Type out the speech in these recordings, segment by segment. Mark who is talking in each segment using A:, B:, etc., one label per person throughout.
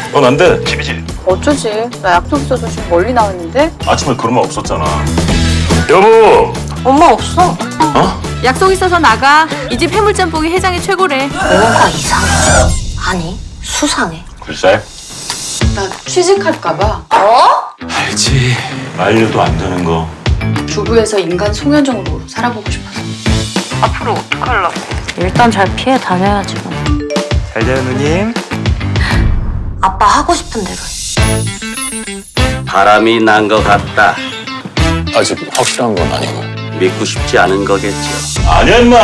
A: 넌 안 돼. 집이지.
B: 어쩌지? 나 약속 있어서 지금 멀리 나왔는데?
A: 아침에 그런 말 없었잖아. 여보.
B: 엄마 없어.
A: 어?
C: 약속 있어서 나가. 이 집 해물짬뽕이 해장이 최고래.
D: 뭔가 이상해. 아니, 수상해.
A: 글쎄.
B: 나 취직할까봐
A: 알지. 말려도 안 되는 거.
B: 주부에서 인간 송현정으로 살아보고 싶어서.
D: 앞으로 어떡하려고? 일단 잘 피해 다녀야지. 뭐.
E: 잘 자요 누님.
D: 아빠 하고 싶은 대로 해.
F: 바람이 난 것 같다.
A: 아직 확실한 건 아니고.
F: 믿고 싶지 않은 거겠죠.
A: 아니야, 임마.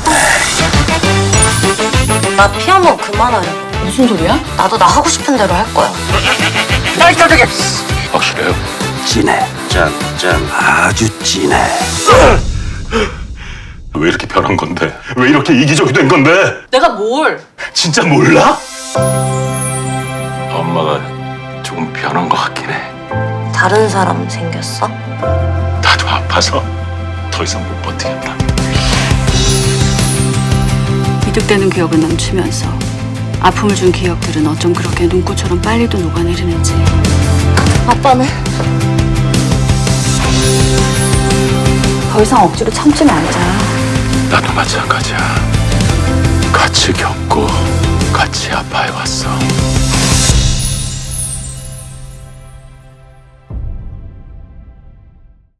D: 나 피하면 그만하려고.
B: 무슨 소리야?
D: 나도 나 하고 싶은 대로 할 거야.
A: 확실해요.
F: 진해. 짠 아주 진해.
A: 왜 이렇게 변한 건데? 왜 이렇게 이기적이 된 건데?
B: 내가 뭘?
A: 진짜 몰라? 엄마가 조금 변한 것 같긴 해.
D: 다른 사람 생겼어?
A: 나도 아파서 더 이상 못 버티겠다.
G: 이득되는 기억은 넘치면서 아픔을 준 기억들은 어쩜 그렇게 눈꽃처럼 빨리도 녹아내리는지.
D: 아빠는?
B: 더 이상 억지로 참지 말자.
A: 나도 마찬가지야. 같이 겪고 같이 아파해왔어.